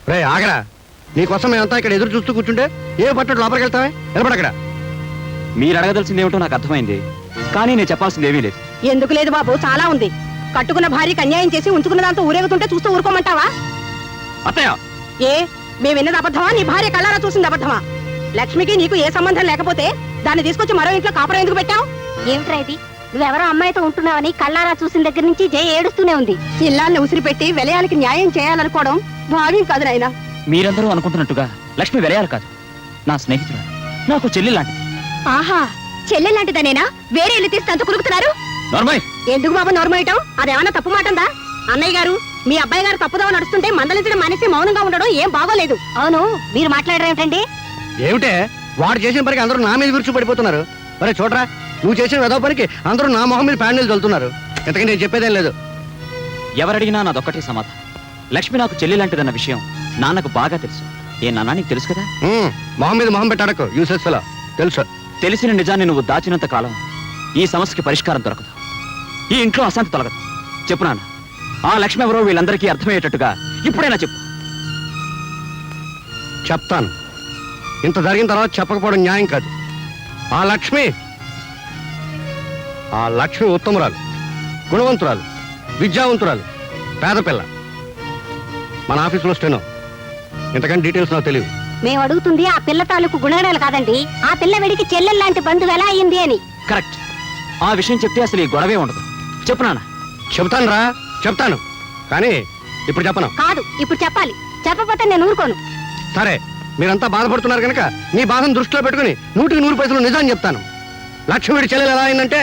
రే ఆగరా, నీకోసం మేమంతా ఇక్కడ ఎదురు చూస్తూ కూర్చుంటే ఏ పట్టడు లోపలికి వెళ్తావే? నిలబడక్కడ. మీరు అడగదలసింది ఏమిటో నాకు అర్థమైంది, కానీ నేను చెప్పాల్సింది ఏమీ లేదు. ఎందుకు లేదు బాబు, చాలా ఉంది. కట్టుకున్న భార్యకి అన్యాయం చేసి ఉంచుకున్న దాంతో ఊరేగుతుంటే చూస్తూ ఊరుకోమంటావా? అత్తయ్య, ఏ మేము విన్నది అబద్ధమా? నీ భార్య కళ్ళారా చూసింది అబద్ధమా? లక్ష్మికి నీకు ఏ సంబంధం లేకపోతే దాన్ని తీసుకొచ్చి మరో ఇంట్లో కాపురం ఎందుకు పెట్టావు? ఏమిట్రా ఇది? నువ్వెవరో అమ్మాయితో ఉంటున్నావని కళ్ళారా చూసిన దగ్గర నుంచి జయ ఏడుస్తూనే ఉంది. ఇల్లాన్ని ఉసిరిపెట్టి విలయాలకి న్యాయం చేయాలనుకోవడం భావ్యం కాదు నాయనా. మీరందరూ అనుకుంటున్నట్టుగా లక్ష్మి వెలయాలు కాదు, నా స్నేహితురాలు, నాకు చెల్లి లాంటిది. ఆహా, చెల్లెలాంటిదనేనా? వేరే ఇల్లు తీసి తంతు కులుకుతున్నారు. నార్మల్. ఎందుకు బాబు నోర్మేయటం? అదేమన్నా తప్పు మాటందా? అన్నయ్య గారు, మీ అబ్బాయి గారు తప్పుదవ నడుస్తుంటే మందలించడం మానేసి మౌనంగా ఉండడం ఏం బాగోలేదు. అవును, మీరు మాట్లాడడం ఏమిటండి? ఏమిటే వాడు చేసిన పనికి అందరూ నా మీద విరుచు పడిపోతున్నారు. మరే చూడరా, నువ్వు చేసిన వెదవ పనికి అందరూ నా మొహం మీద ప్యాండిల్ చల్లుతున్నారు. ఇంతకీ నేను చెప్పేదేం లేదు. ఎవరడిగినా నాదొక్కటే సమాధానం. లక్ష్మి నాకు చెల్లి లాంటిదన్న విషయం నాన్నకు బాగా తెలుసు. ఏ నాన్న, నీకు తెలుసు కదా? మొహం మీద మొహం పెట్టాడకు, యూసెస్ ఫెలో. తెలుసు. తెలిసిన నిజాన్ని నువ్వు దాచినంత కాలం ఈ సమస్యకి పరిష్కారం దొరకదు, ఈ ఇంట్లో అశాంతి తొలగదు. చెప్పు నాన్న, ఆ లక్ష్మి ఎవరో వీళ్ళందరికీ అర్థమయ్యేటట్టుగా ఇప్పుడైనా చెప్పు. చెప్తాను. ఇంత జరిగిన తర్వాత చెప్పకపోవడం న్యాయం కాదు. ఆ లక్ష్మి ఉత్తమురాలు, గుణవంతురాలు, విద్యావంతురాలు, పేద పిల్ల. మన ఆఫీసులో స్టెనో. ఇంతకంటే డీటెయిల్స్ నాకు తెలియదు. మేము అడుగుతుంది ఆ పిల్ల తాలూకు గుణగణాలు కాదండి, ఆ పిల్ల వెడికి చెల్లెల్లాంటి బంధువు ఎలా అయింది అని. కరెక్ట్. ఆ విషయం చెప్తే అసలు ఈ గొడవే ఉండదు. చెప్పు నాన్న. చెప్తాను రా, చెప్తాను. కానీ ఇప్పుడు చెప్పను. కాదు, ఇప్పుడు చెప్పాలి. చెప్పకపోతే నేను ఊరుకోను. సరే, మీరంతా బాధపడుతున్నారు కనుక మీ బాధను దృష్టిలో పెట్టుకుని 100% నిజాన్ని చెప్తాను. లక్ష్మి వీడి చెల్లెలు ఎలా అయిందంటే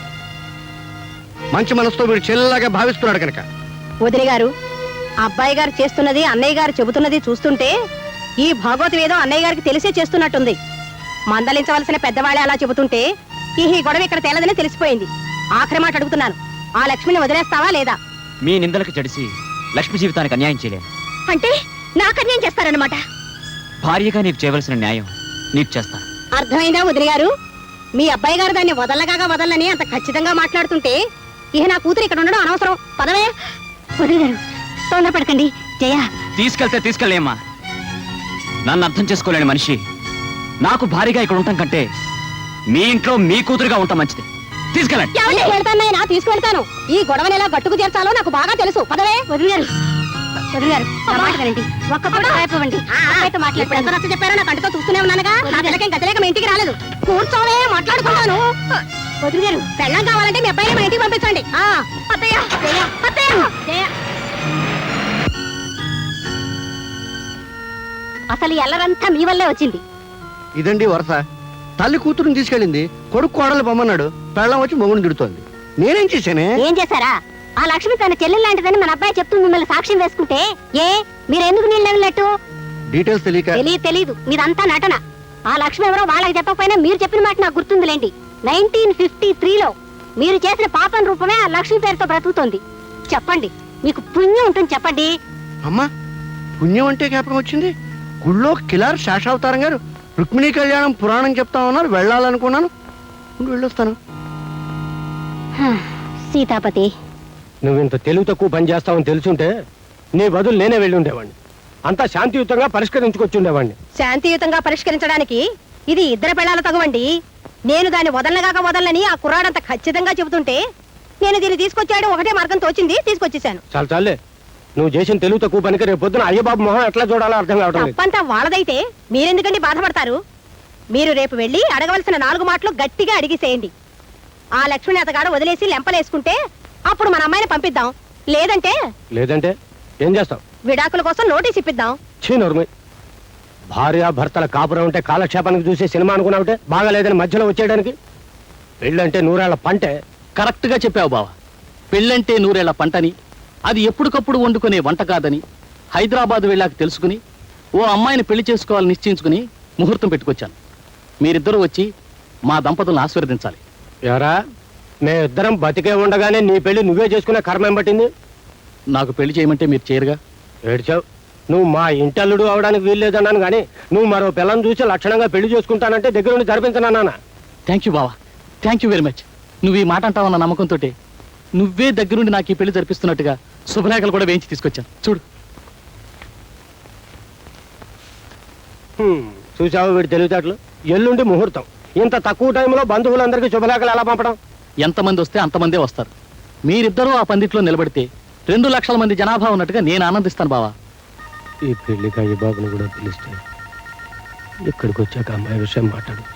మంచి మనసుతో వీడి చెల్లెలాగా భావిస్తున్నాడు కనుక. వదిలి గారు, అబ్బాయి గారు చేస్తున్నది అన్నయ్య గారు చెబుతున్నది చూస్తుంటే ఈ భాగవతం ఏదో అన్నయ్య గారికి తెలిసే చేస్తున్నట్టుంది. మందలించవలసిన పెద్దవాళ్ళే అలా చెబుతుంటే ఈ గొడవ ఇక్కడ తేలదని తెలిసిపోయింది. ఆఖరి మాట అడుగుతున్నాను, ఆ లక్ష్మిని వదిలేస్తావా లేదా? మీ నిందలకు జడిసి లక్ష్మి జీవితానికి అన్యాయం చేయలేను. అంటే నాకు అన్యాయం చేస్తారన్నమాట? భార్యగా నీకు చేయవలసిన న్యాయం నీకు చేస్తాను. అర్థమైందా వదిలి గారు? మీ అబ్బాయి గారు దాన్ని వదలని అంత ఖచ్చితంగా మాట్లాడుతుంటే ఇహ నా కూతురు ఇక్కడ ఉండడం అనవసరం. పదవే. వదిలి గారు, తొందరపడకండి. జయ, తీసుకెళ్తే తీసుకెళ్ళేమ్మా. నన్ను అర్థం చేసుకోలేని మనిషి నాకు భారీగా ఇక్కడ ఉండటం కంటే మీ ఇంట్లో మీ కూతురుగా ఉంటాం మంచిది. తీసుకెళ్ళండి. తీసుకెళ్తానైనా తీసుకెళ్తాను. ఈ గొడవని ఎలా గట్టుకు చేర్చాలో నాకు బాగా తెలుసు. పదవే. వదిలి గారు, వదిలి గారు, నా మాట వినండి. ఒక్క పూట అయిపోవండి. ఇప్పుడు ఎంత నచ్చ చెప్పారో నా కంటితో చూస్తూనే ఉన్నానుగా. నా పిల్లకేం గతిలేక మీ ఇంటికి రాలేదు. కూర్చోనే మాట్లాడుకుంటాను. వదిలి గారు, పెళ్ళం కావాలంటే మీ అబ్బాయిని మా ఇంటికి పంపించండి. అత్తయ్య, జయ, అత్తయ్య, జయ. అసలు ఈ అల్లరంతా మీ వల్లే వచ్చింది. ఇదండి వరస. తల్లి కూతురుని తీసుకెళ్ళింది, కొడుకు కోడలు పొమ్మన్నాడు, పెళ్ళం వచ్చి మొగుని తిడుతోంది. నేనేం చేశానే? ఏం చేశారా? ఆ లక్ష్మి తన చెల్లెలు లాంటిదని మన అబ్బాయి చెప్తూ మిమ్మల్ని సాక్ష్యం వేసుకుంటే మీరెందుకు నీళ్ళు వెళ్ళినట్టు? డీటెయిల్స్ తెలియక. తెలీదు, మీదంతా నటన. ఆ లక్ష్మి ఎవరో వాళ్ళకి చెప్పకపోయినా మీరు చెప్పిన మాట నాకు గుర్తుందిలేండి. 1953లో మీరు చేసిన పాపం రూపమే ఆ లక్ష్మి పేరుతో బ్రతుకుతోంది. చెప్పండి, మీకు పుణ్యం ఉంటుంది. చెప్పండి. అమ్మా, పుణ్యం అంటే జ్ఞాపకం వచ్చింది. గుళ్ళో కిలార్ శేషావతారం గారు రుక్మిణీ కళ్యాణం పురాణం చెప్తా ఉన్నారు. వెళ్ళాలనుకున్నాను, వెళ్ళొస్తాను. సీతాపతి, నువ్వు ఇంత తెలివి తక్కువ పని చేస్తావని తెలుసుంటే నీ బదులు నేనే వెళ్ళి ఉండేవాడిని. అంతా శాంతియుతంగా పరిష్కరించుకొచ్చి ఉండేవాడిని. శాంతియుతంగా పరిష్కరించడానికి ఇది ఇద్దరు పెళ్ళాల తగువండి. నేను దాన్ని వదలనని ఆ కుర్రాడంత ఖచ్చితంగా చెబుతుంటే నేను దీన్ని తీసుకొచ్చాడు ఒకటే మార్గం తోచింది, తీసుకొచ్చేసాను. చాలే, నువ్వు చేసిన తెలివి తక్కువ పనికి రేపు పొద్దున అయ్యబాబు మొహం ఎట్లా చూడాలో అర్థం కావడం లేదు. తప్పంతా వాళ్ళదైతే మీరెందుకండి బాధపడతారు? మీరు రేపు వెళ్ళి అడగవలసిన 4 మాటలు గట్టిగా అడిగిసేయండి. ఆ లక్ష్మిని అతగాడు వదిలేసి లెంపలేసుకుంటే అప్పుడు మన అమ్మాయిని పంపిద్దాం. లేదంటే ఏం చేస్తావు? విడాకుల కోసం నోటీస్ ఇప్పిద్దాం. చీనోర్మి, భార్య భర్తల కాపురం ఉంటే కాలక్షేపానికి చూసే సినిమా అనుకున్నావుంటే బాగా లేదని మధ్యలో వచ్చేయడానికి. పెళ్ళంటే 100 ఏళ్ల పంటే. కరెక్ట్ గా చెప్పావు బావ. పెళ్ళంటే 100 ఏళ్ల పంటని, అది ఎప్పటికప్పుడు వండుకునే వంట కాదని హైదరాబాద్ వెళ్ళాక తెలుసుకుని ఓ అమ్మాయిని పెళ్లి చేసుకోవాలని నిశ్చయించుకుని ముహూర్తం పెట్టుకొచ్చాను. మీరిద్దరూ వచ్చి మా దంపతులను ఆశీర్వదించాలి. ఎవరా, మేమిద్దరం బతికే ఉండగానే నీ పెళ్లి నువ్వే చేసుకునే కర్మేం పట్టింది? నాకు పెళ్లి చేయమంటే మీరు చేయరుగా. ఏడ్చావు. నువ్వు మా ఇంటల్లుడు అవడానికి వీల్లేదన్నాను కానీ నువ్వు మరో పిల్లని చూసి లక్షణంగా పెళ్లి చేసుకుంటానంటే దగ్గర నుండి జరిపించనన్నా. థ్యాంక్ యూ బావా, థ్యాంక్ యూ వెరీ మచ్. నువ్వు ఈ మాట అంటావన్న నమ్మకంతో నువ్వే దగ్గరుండి నాకు ఈ పెళ్లి జరిపిస్తున్నట్టుగా శుభలేఖలు కూడా వేయించి తీసుకొచ్చాను. చూడు. చూసావు వీడి తెలివితేటలు. ఎల్లుండి ముహూర్తం. ఇంత తక్కువ టైంలో బంధువులందరికీ శుభలేఖలు ఎలా పంపడం? ఎంతమంది వస్తే అంతమందే వస్తారు. మీరిద్దరూ ఆ పందిట్లో నిలబడితే 2 లక్షల మంది జనాభా ఉన్నట్టుగా నేను ఆనందిస్తాను బావా. ఈ పెళ్లికి అయ్య బాబుని కూడా పిలిస్తే ఇక్కడికి వచ్చాక అమ్మాయి విషయం మాట్లాడచ్చు.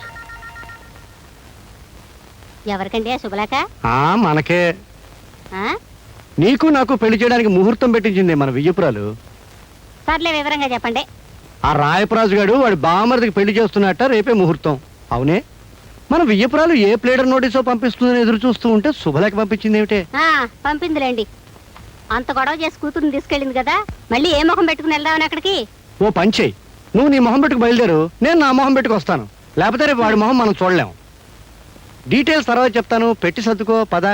ఎవరికండి ఆ శుభలేఖ? మనకే. ఆ? నీకు నాకు పెళ్లి చేయడానికి ముహూర్తం పెట్టించింది మన వియ్యపురాలు. సర్లే వివరంగా చెప్పండి. ఆ రాయపరాజు గారు వాడి బామర్దికి పెళ్లి చేస్తున్నట్ట, రేపే ముహూర్తం. అవునే, మన వియ్యపురాలు ఏ ప్లేడర్ నోటీసో పంపిస్తుందని ఎదురు చూస్తూ ఉంటే శుభలేఖ పంపించింది ఏమిటే? పంపిందిలేండి. అంత గొడవ చేసి కూతురుని తీసుకెళ్ళింది కదా, మళ్ళీ ఏ మొహం పెట్టుకుని వెళ్దామని అక్కడికి? ఓ పంచేయి, నువ్వు నీ మొహం పెట్టుకు బయలుదేరు, నేను నా మొహం పెట్టుకు వస్తాను. లేకపోతే రేపు వాడి మొహం మనం చూడలేం. డీటెయిల్స్ తర్వాత చెప్తాను, పెట్టి సర్దుకో పద.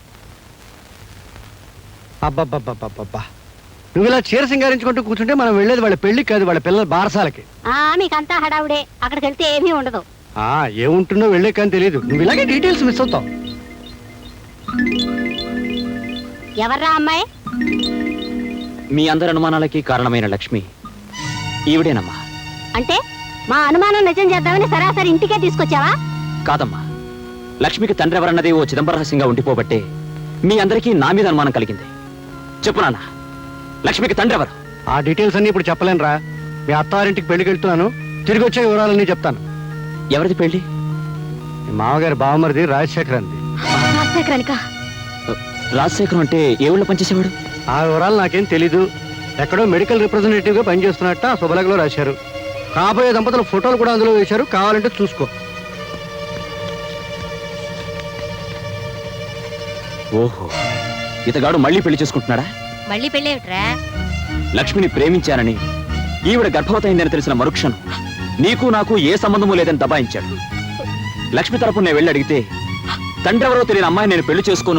అబ్బబ్బబ్బబ్బబ్బా, నువ్వు ఇలా చీర సింగారించుకుంటూ కూర్చుంటే మనం వెళ్ళేది వాళ్ళ పెళ్లికి కాదు, వాళ్ళ పిల్లల బారసాలకి. మీకంతా హడావుడే, అక్కడికి వెళ్తే ఏమీ ఉండదు. ఏముంటుందో వెళ్ళే కానీ తెలియదు. నువ్వు ఇలాగే డీటెయిల్స్ మిస్ అవుతావు. ఎవర్రా అమ్మాయి? మీ అందరి అనుమానాలకి కారణమైన లక్ష్మి ఈవిడేనమ్మా. అంటే మా అనుమానం నిజం చేద్దామని సరాసరి ఇంటికే తీసుకొచ్చావా? కాదమ్మా, లక్ష్మికి తండ్రి ఎవరన్నది ఓ చిదంబరహస్యంగా ఉండిపోబట్టే మీ అందరికీ నా మీద అనుమానం కలిగింది. చెప్పు నాన్న, లక్ష్మికి తండ్రి ఎవరు? ఆ డీటెయిల్స్ అన్ని ఇప్పుడు చెప్పలేనురా. మీ అత్తారింటికి పెళ్లికి వెళ్తున్నాను, తిరిగి వచ్చే వివరాలన్నీ చెప్తాను. ఎవరిది పెళ్లి? మీ మామగారి బావమరిది రాజశేఖర్ అంది. రాజశేఖరం అంటే ఏ ఊళ్ళో పనిచేసేవాడు? ఆ వివరాలు నాకేం తెలీదు. ఎక్కడో మెడికల్ రిప్రజెంటేటివ్ గా పనిచేస్తున్నట్ట ఆ శుభలేఖలో రాశారు. కాబోయే దంపతుల ఫోటోలు కూడా అందులో వేశారు, కావాలంటే చూసుకో. ఓహో, ఇతగాడు మళ్ళీ పెళ్లి చేసుకుంటున్నాడా? మళ్ళీ పెళ్ళేమిట్రా? లక్ష్మిని ప్రేమించానని, ఈవిడ గర్భవతయిందని తెలిసిన మరుక్షణం నీకు నాకు ఏ సంబంధము లేదని దబాయించాడు. లక్ష్మి తరపున నేను వెళ్ళి అడిగితే తండ్రి ఎవరో తెలియని అమ్మాయి నేను పెళ్లి చేసుకోను